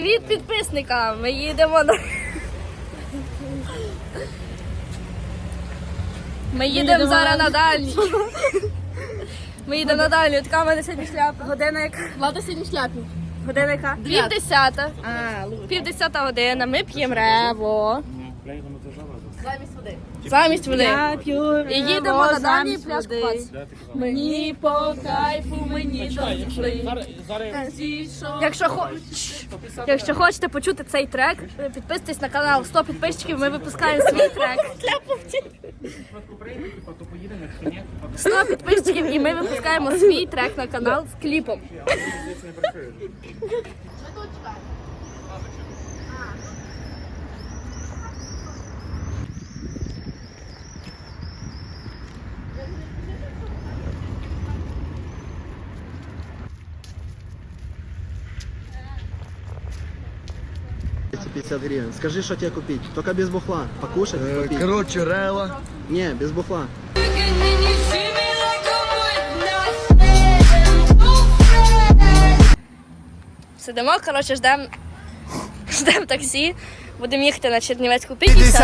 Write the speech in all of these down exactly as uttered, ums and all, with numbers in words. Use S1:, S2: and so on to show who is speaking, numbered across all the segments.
S1: Привіт підписникам! Ми їдемо на... Ми їдемо зараз на дальній. Ми їдемо на дальній. Така в мене сьогодні шляпа. Година яка?
S2: Влада сьогодні шляпі.
S1: Година яка? Пів десята. Пів десята година. Ми п'ємо рево.
S2: Замість води.
S1: Замість води.
S2: Я п'ю
S1: І їдемо на дальній
S2: замість
S1: пляж
S2: води.
S1: купатися.
S2: Мені по кайфу, мені дошли.
S1: Якщо, хо... Якщо хочете почути цей трек, підписуйтесь на канал сто підписчиків, ми випускаємо свій трек. сто підписчиків і ми випускаємо свій трек на канал з кліпом.
S3: пятьдесят гривен. Скажи, что тебе купить. Только без бухла. Покушать, купить.
S4: Короче, рела.
S3: Не, без бухла.
S1: Сидимо, коротше, ждемо ждем таксі. Будемо їхати на Чернівецьку п'ятдесят.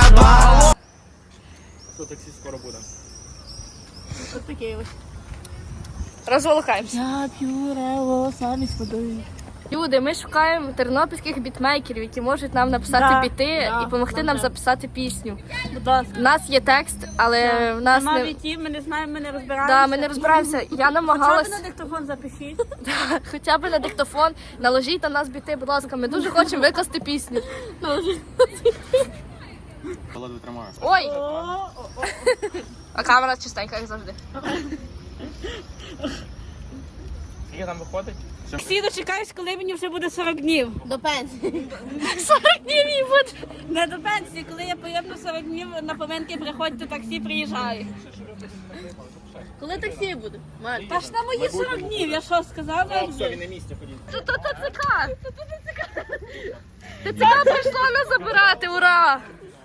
S4: Що таксі скоро буде?
S2: Ось такий ось.
S1: Розволокаємося.
S2: Я п'ю рево замість води.
S1: Люди, ми шукаємо тернопільських бітмейкерів, які можуть нам написати
S2: Да,
S1: біти
S2: да,
S1: і допомогти нам
S2: да.
S1: записати пісню.
S2: Будь ласка.
S1: У нас є текст, але в нас
S2: Нема
S1: не...
S2: вітів, ми не знаємо, ми не розбираємося.
S1: Да, ми не розбираємося. Я
S2: Хоча б
S1: намагалась
S2: на диктофон запишіть.
S1: хоча б на диктофон, наложіть на нас біти, будь ласка, ми дуже хочемо викласти пісню.
S4: Ледве тримаю.
S1: Ой! А камера чистенька, як завжди.
S4: Скільки там виходить?
S2: Всі дочекаюсь, коли мені вже буде сорок днів. До пенсії.
S1: сорок днів їй буде.
S2: Не до пенсії, коли я поїду сорок днів, на поминки приходьте, таксі приїжджає.
S1: Коли таксі буде?
S2: Та ж на мої сорок днів, я що сказала?
S4: Все, він на місці ходіть.
S1: Це то ТЦК. ТЦК прийшло нас забирати, ура!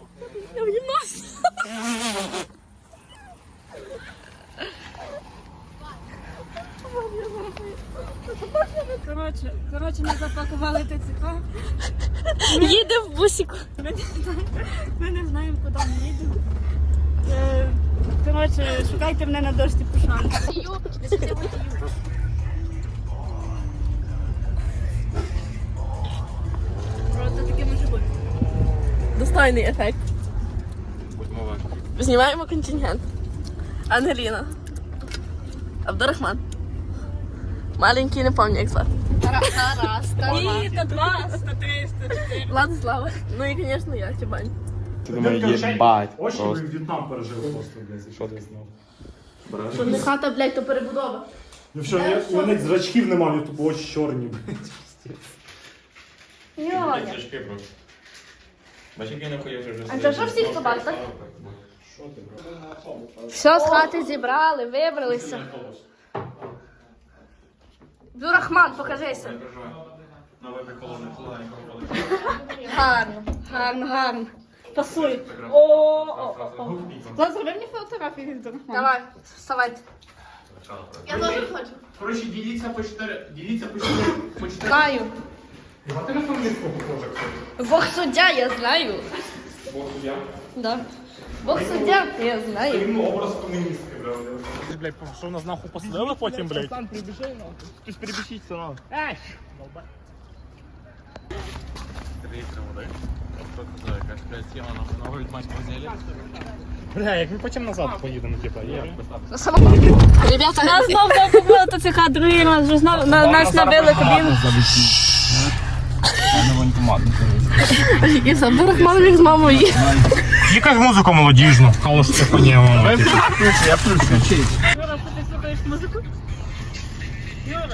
S2: Коротше, коротше, ми запакували ТЦК.
S1: Їдемо в бусіку.
S2: Ми не знаємо, ми не знаємо, куди ми їдемо. Е, Коротше, шукайте мене на дошці пошани. Це таке може бути.
S1: Достойний ефект.
S4: Будьмо важкі.
S1: Знімаємо контингент. Ангеліна. Абдурахман. Маленький, не пам'ятаю, як звати. Тарас.
S2: Ні, та два, ста три, ста чотири.
S1: Владислава. Ну і, звісно, я, Тібань.
S4: Ти думаєш, їбать.
S5: Очі ви
S4: Просто.
S5: в В'єтнам пережили просто, блядь.
S4: Що ти знав?
S1: Що не хата, блядь, то перебудова.
S5: Ну що, я- у мене зрачків немає, я тупо очі чорні, блядь.
S1: Йоня.
S4: Зрачки просто. Бачиш, як я нахуй вже вже
S1: А це що всіх собак, так? Все з хати зібрали, вибралися. Абдурахман, покажися.
S4: Новий приколоний колоні проходить.
S1: Гарно, гарно, гарно.
S2: Пасує. О, о, о, о. Влад, зроби мені фотографію від Дорохмана.
S1: Давай, вставайте. Я теж хочу.
S4: Коротше, діліться по чотири. Діліться по чотири. По чотири.
S1: Знаю.
S5: А ти на фамілку похоже, кстати.
S1: Бог суддя, я знаю.
S5: Бог суддя.
S1: Да. Бог суддя, я знаю.
S5: Він образ комуністки, блядь. Ти, блядь, що нас нахуй посадили потім, блядь? Сам прибіжи, нахуй. Хтось перебіжіть, все нахуй. Ей!
S4: Три літри води. Хто казав, якась, блядь, сіла на новий матч возили.
S5: Бля, як ми потім назад поїдемо, типа, є.
S1: На самому. Ребята,
S2: Нас знов закупили ТЦК, другий раз вже знов на- нас набили кабіну.
S1: і з Абдурахманом з мамою їх.
S5: Якась музика молодіжна, але Стефанія.
S4: Я включу.
S2: Юра, що ти слухаєш музику? Юра.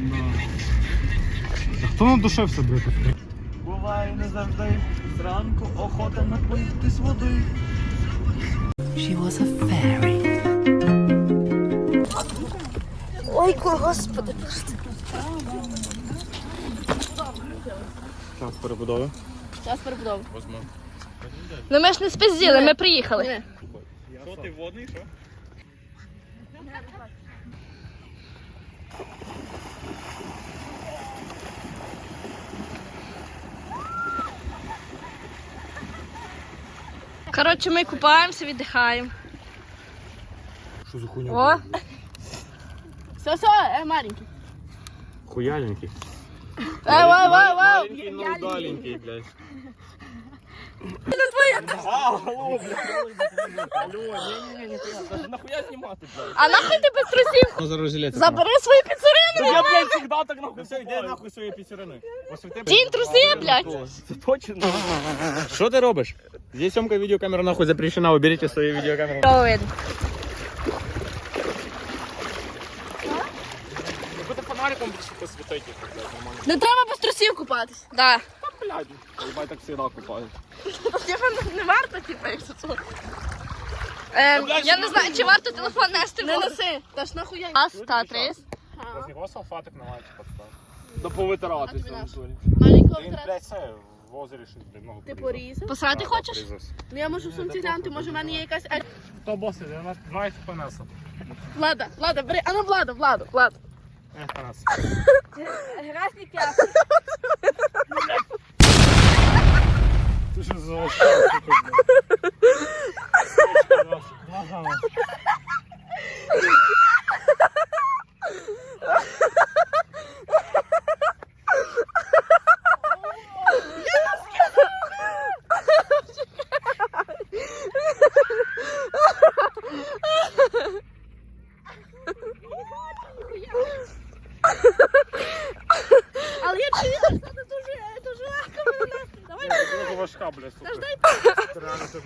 S5: Хто надушився, блядь?
S6: Буває не завжди, зранку охота напити з води.
S1: Ой, господи.
S5: Час перебудови.
S1: Час перебудови. Ну ми ж не спізділи, ми приїхали.
S4: Що ти водний, що?
S1: Коротше, ми купаємося, віддихаємо.
S5: Що за хуйня?
S1: О,
S2: Все, все, е, маленький.
S5: Хуяленький.
S1: ей, вау, вау, вау.
S5: Маленький, но удаленький, блядь. Алло, блядь. Алло, не-не-не, даже нахуя снимати, блядь?
S1: А нахуй ти без трусів?
S3: Ну, зараз жилет.
S1: Забери свої піцерини.
S5: Я, блядь, всегда так нахуй. Все, йди нахуй свої пісюрини.
S1: Тінь труси, блядь.
S5: Це точно. Що ти робиш? Здесь съемка видеокамера нахуй запрещена, уберите свої видеокамеры.
S1: Ровен.
S5: Какой-то фонариком посветайте, нормально.
S1: Не треба без трусів купатись. Да.
S5: Блядь, ебать, так всегда купают.
S1: Типа не варто, типа, якщо це. Ем, я не знаю, чи варто телефон нести в
S2: Не
S1: воду.
S2: неси, та ж нахуя.
S1: Раз, та, три.
S5: З нього салфатик на лайки подстав. Да повитирати
S2: тобі
S5: це
S2: наш?
S5: натурі.
S2: Маленького
S5: Він,
S2: втрат.
S5: блядь, це в озері щось, блядь, ногу
S2: Ти
S5: порізав.
S2: порізав?
S1: Посрати
S5: Да,
S1: хочеш?
S5: порізався.
S2: Ну я можу в сумці глянути, може в мене є якась... е,
S5: Хто боси? Я два еф пі ес.
S2: Влада, Влада, бери, а ну Влада, Влада, Влада.
S5: еф пі ес.
S2: Грязні п'яти.
S5: Ти що за лошадка, блядь? Глаза нахуй.
S2: Але я чую, що це дуже, дуже легко мене нести. Давай,
S5: Дуже важка, блядь, сука.
S2: дай
S5: Ти реально це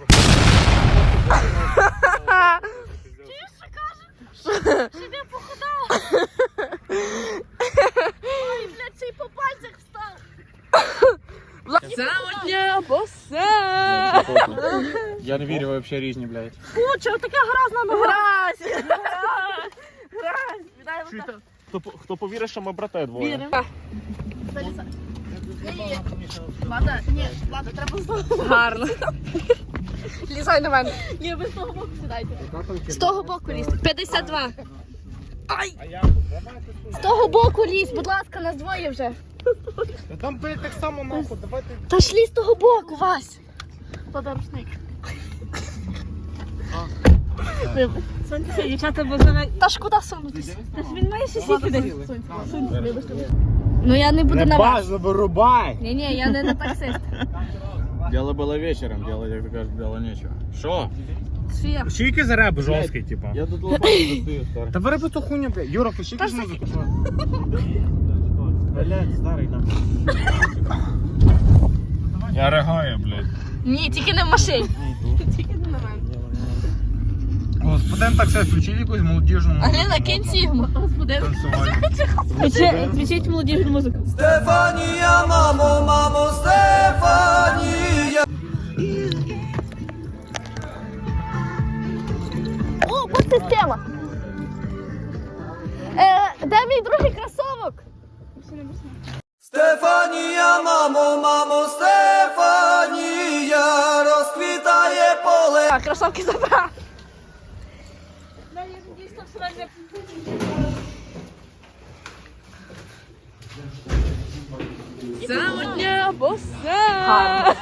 S2: чуєш, що каже? Щоб я похудала. Ой, блядь, ще й по пальцях встав. Заводня босе.
S5: Я не вірю вообще різні, блядь.
S2: Фу, чого така грозна нога? Гразь. Гразь. Віддай
S5: Чуєте?
S2: отак.
S5: Хто, хто повірить, що ми брати двоє?
S2: Віримо. Залізай. Ні-ні-ні. Влада, ні, Влада, треба знову.
S1: Гарно. Лізай на мене.
S2: Ні, ви з того боку сідайте.
S1: З того боку лізь. п'ятдесят два. Ай!
S5: А я
S1: З того боку лізь, будь ласка, нас двоє вже.
S5: Та там, блядь, так само нахуй, давайте.
S1: Та ж лізь з того боку, Вась.
S2: Подарушник. Сонце, дівчата, бо зараз...
S1: Та ж куди сунутися?
S2: Та ж він має щось сюди. Сонце, вибачте.
S1: Ну я не буду на вас.
S5: вирубай!
S1: Ні-ні, я не на таксист.
S5: Дело было вечером, делать, як ти кажеш, дело нечего. Що?
S1: Софія.
S5: Пущики за реп жорсткий, типа.
S3: Я тут лопату достаю, старый.
S5: Та вириби ту хуйню, блядь. Юра, пущики ж музику. Блядь, старий там. Я ригаю, блядь.
S1: Ні, тільки не в машині.
S2: Тільки не на мене.
S5: Господин так все, включили якусь молодіжну музику.
S1: Аліна, кинь сігму.
S2: Господи,
S5: Танцювальну.
S2: включіть молодіжну музику.
S6: Стефанія, мамо, мамо, Стефанія.
S1: О, подсистема. Е, де мій другий кросовок?
S6: Стефанія, мамо, мамо, Стефанія, розквітає поле.
S1: А, кросовки забрав.
S2: Заводня босе.
S1: Гарно.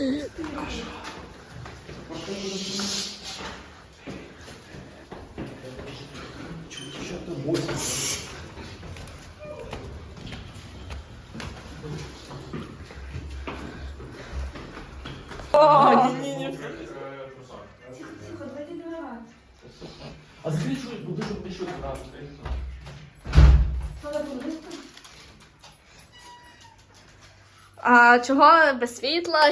S1: А чого без світла?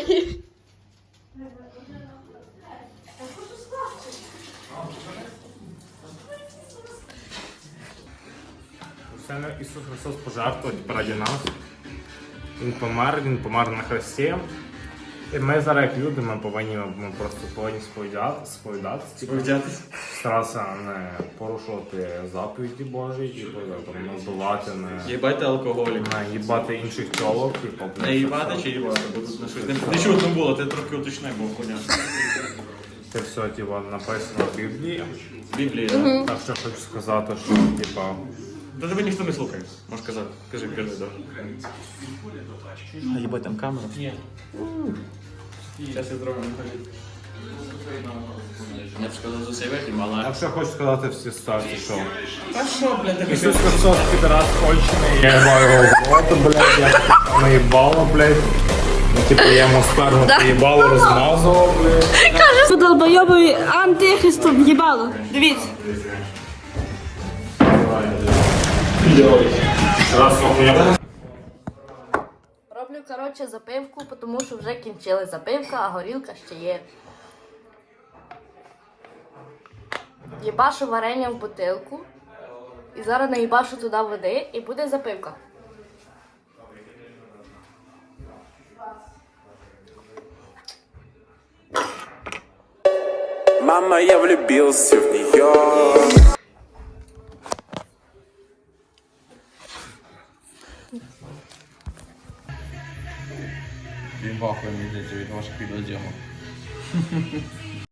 S5: Це Ісус Христос пожертвував раді нас. Він помер, він помер на хресті. І ми зараз, як люди, ми повинні, ми просто повинні сповідати, сповідатися. Сповідатися? Старатися не порушувати заповіді Божі, типу, там, не вбивати, не...
S7: Їбати алкоголік.
S5: Не їбати інших тілок, типу.
S7: Не їбати чи їбати? Бо тут на щось не не чутно було, ти трохи уточни, бо хуйня.
S5: Це все, типу, написано в Біблії.
S7: Біблія. да?
S5: Так що хочу сказати, що, типу,
S7: Та тебе ніхто не слухає, можеш казати. Кажи, кажи, да. А їбать там камера? Ні. Зараз я зроблю, не кажи. Я б сказав за сейветів, але...
S5: Якщо хочу сказати всі ставці, що
S7: А що, блядь, так
S5: Ісус Христос, підраз кончений, я маю його в рот, блядь, я так наїбало, блядь. Ну, типу, я йому сперму поїбало розмазував, блядь.
S2: Долбойобові антихристу в'їбало. Дивіться.
S5: Раз, охуєнно.
S1: Роблю, коротше, запивку, тому що вже кінчили запивка, а горілка ще є. Їбашу варення в бутилку. І зараз наїбашу туди води і буде запивка.
S8: Мама, я влюбился в нее.
S7: Він вахує, мені здається, від ваших відеодіємок.